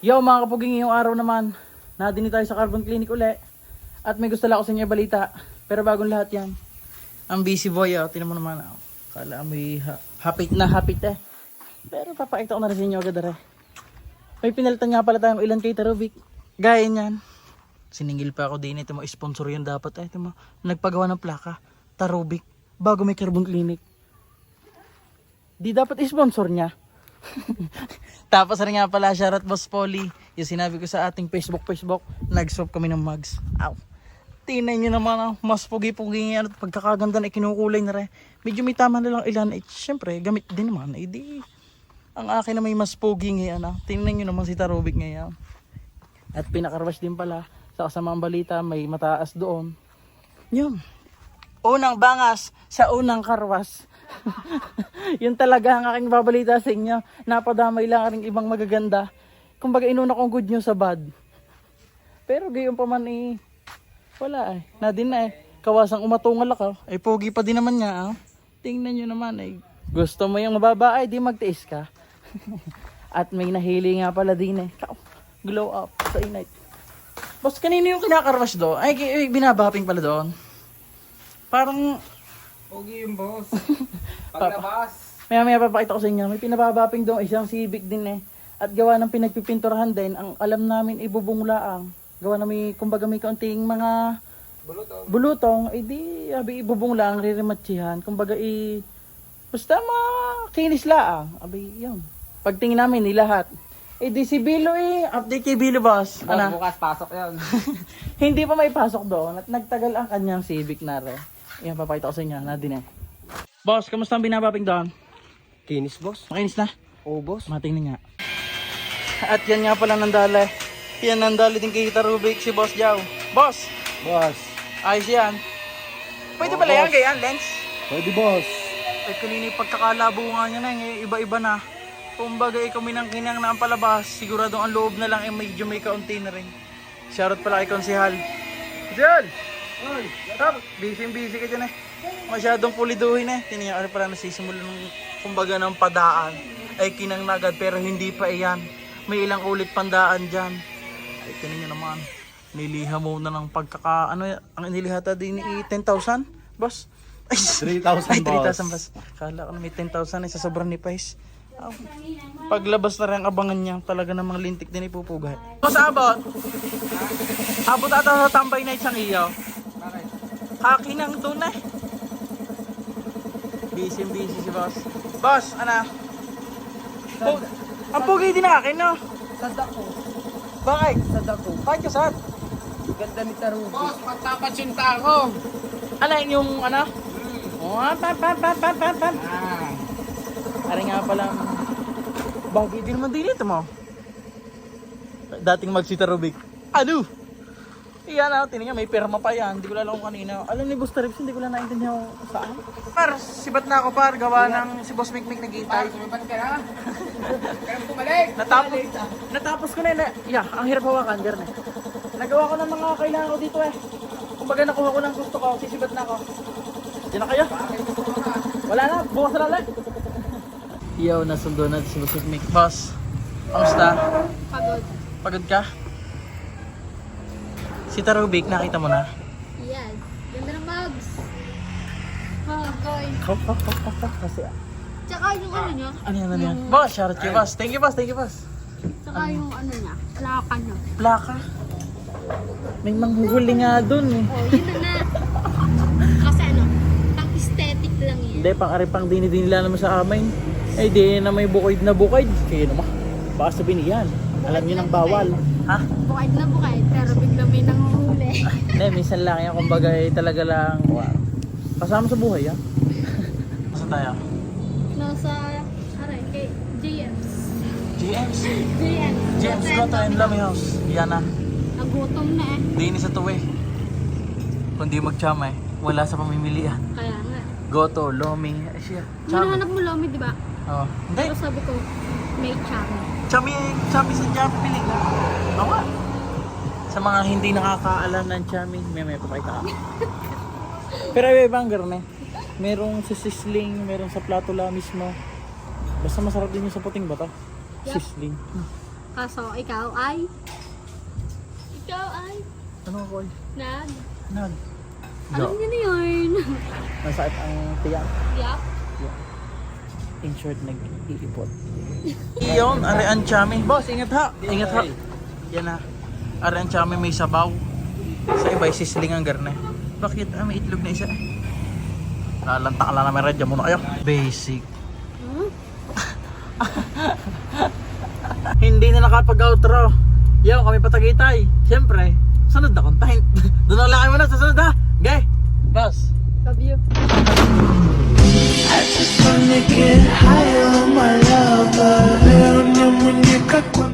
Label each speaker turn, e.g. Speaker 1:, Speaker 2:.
Speaker 1: Yo mga kapuging, ngayong araw naman nadini tayo sa Carbon Clinic uli. At may gusto lang ako sa inyo balita. Pero bagong lahat yan, ang busy boy, tinan mo naman. Kala amoy hapit na hapit eh. Pero papakita ko na rin sa inyo agad rin. May pinalitan nga pala tayong ilan kay Tarovic. Gaya niyan, siningil pa ako din. Ito mo, sponsor yan dapat. Ito mo, nagpagawa ng plaka Tarovic bago may Carbon Clinic. Di dapat sponsor niya. Tapos rin nga pala, shoutout Boss Polly. Yung sinabi ko sa ating Facebook, nag-swap kami ng mugs. Ow. Tingnan nyo naman, mas pugi-pugi yan at pagkakaganda na ikinukulay na rin. Medyo may tama na lang ilan. Siyempre, gamit din naman. Ang akin na may mas pugi ngayon. Tingnan nyo naman si Tarovic ngayon. At pinakarwash din pala sa kasamang balita, may mataas doon. Yun. Unang bangas sa unang karwas. Yun talaga ang aking babalita sa inyo. Napadamay lang ang ibang magaganda. Kumbaga inuna kong good news sa bad. Pero gayon pa man wala nadin na kawasang umatungal ako. Pogi pa din naman niya. Tingnan nyo naman gusto mo yung mababa di magtiis ka. At may nahili nga pala din glow up sa init. Boss, kanino yung kinakarwash do? Binabaping pala doon. Parang
Speaker 2: Pogi yung boss. Paglabas.
Speaker 1: Maya papakita ko sa inyo. May pinababaping doon isang Civic din At gawa ng pinagpipinturahan din, ang alam namin ibubunglaang. Gawa na may, kumbaga may kaunting mga bulutong. Di ibubunglaang, ririmatsihan. Kumbaga basta makinis laang. Yun. Pagtingin namin lahat. Di si Bilo update kay Bilo boss.
Speaker 2: Boss, bukas pasok yan.
Speaker 1: Hindi pa may pasok doon at nagtagal ang kanyang Civic na rin. Yan, papakita ko sa inyo. Nadine. Boss, kamusta ang binabaping doon?
Speaker 2: Kinis boss.
Speaker 1: Makinis na?
Speaker 2: Oo boss.
Speaker 1: Matingnan nga. At yan nga pala nandali. Yan nandali din kay Tarovic si Boss Jao. Boss!
Speaker 2: Boss.
Speaker 1: Ayos yan. Pwede pala yan, ganyan, lens?
Speaker 2: Pwede boss.
Speaker 1: Kanina yung pagkakalabo nga niya na iba-iba na. Kumbaga kami nang kinang na ang palabas. Sigurado ang loob na lang medyo may kaunti na rin. Shoutout pala kay Konsehal. Konsehal!
Speaker 2: Oy,
Speaker 1: Busy ka dyan Masyadong puliduhin Tiniyak pala nasisimula ng kumbaga ng padaan. Kinang na agad pero hindi pa iyan. May ilang ulit pandaan dyan. Tinan nyo naman. Niliha mo na ng ang inilihata din 10,000? Boss?
Speaker 2: 3,000
Speaker 1: 3,000 boss. Kala ko na may 10,000 sa sobrang ni Pais. Paglabas na rin ang abangan niya. Talaga ng mga lintik din ipupugay. Boss, abot? Abot ata sa tambay night sang iyo.
Speaker 2: bakit?
Speaker 1: Haki nang doon Busy si boss. Boss, ang pugi din akin, no?
Speaker 2: Sadak ko.
Speaker 1: Bakit?
Speaker 2: Sadak ko.
Speaker 1: Bakit ka sad?
Speaker 2: Ganda ni Tarugo. Boss, magpapatsinta ako.
Speaker 1: Yung pam. Ari nga pala. Bagay din naman din ito mo. Dating magsita Rubik. Iyan tinan may perma pa yan. Hindi ko alam kung kanina. Alam ni Boss Trips, hindi ko lang naintindihan kung saan. Par, sibat na ako gawa ng si Boss Mikmik naghihintay.
Speaker 2: Sumipat ka na. Kaya mo bumalik.
Speaker 1: Natapos ko na ang hirap hawakan, Garne. Nagawa ko ng mga kailangan ko dito Kumbaga nakuha ko ng gusto ko, sisibat na ako. Diyan na kayo. Wala na, bukas na ulit. Nasundo na si Boss Mikmik. Boss, kamusta? Pagod ka? Si Tarovic, nakita mo na?
Speaker 3: Yan. Ganda ng mugs. Koy.
Speaker 1: Kasi
Speaker 3: Tsaka yung niya.
Speaker 1: ano yan? Boss, shoutout kay Boss. Thank you, Boss.
Speaker 3: Tsaka yung niya. Plaka niya.
Speaker 1: Plaka. May manghuhuli nga dun
Speaker 3: Oh, yun na. Kasi pang aesthetic lang yan.
Speaker 1: Hindi, pang dinidinila naman sa amin. Di na may bukoid na bukoid. Kaya naman, baka sabihin yan. Alam nyo nang bawal. Ha?
Speaker 3: Bukaid na bukaid, pero bigla may nanguhuli.
Speaker 1: Hindi, minsan lang yan. Kumbaga talaga lang. Kasama sa buhay, Saan tayo?
Speaker 3: Nasa, kay GM's.
Speaker 1: GM's
Speaker 3: GM's.
Speaker 1: Goto and Lamy House. Yan na.
Speaker 3: Nagutom na
Speaker 1: Di sa tuwi. Kung di magtsama wala sa pamimilian.
Speaker 3: Kaya nga.
Speaker 1: Goto, Lomi, siya.
Speaker 3: Hinahanap mo Lomi, di ba?
Speaker 1: Oo. Hindi.
Speaker 3: Pero sabi ko, may chami.
Speaker 1: Chami sa Chami piling. Awa. Sa mga hindi nakakaalam ng Chami, may papakita ka. Pero ibang garne. Merong sa sisling, merong sa platula mismo. Basta masarap din yung sa puting bata.
Speaker 3: Yep.
Speaker 1: Sisling.
Speaker 3: Kaso, ikaw ay? Ikaw ay?
Speaker 1: Ano ako ay?
Speaker 3: Nag?
Speaker 1: Nag.
Speaker 3: Alam niyo na yun.
Speaker 1: Masakit ang tiyak.
Speaker 3: Yup.
Speaker 1: In short, nag-iipot. Iyon, are ang chami. Boss, ingat ha. Ingat ha. Yan ha. Are ang chami may sabaw. Sa iba, sisling ang garne. Bakit? May itlog na isa eh. Lalanta ka lang namin, radya muna kayo. Basic. Hindi na nakapag-outro. Yo, kami patagitay. Siyempre, sunod na content. Doon na lang kayo muna sa sunod ha. Okay? Boss.
Speaker 3: Love you.
Speaker 4: I just wanna get high on my love, pero niya mo niya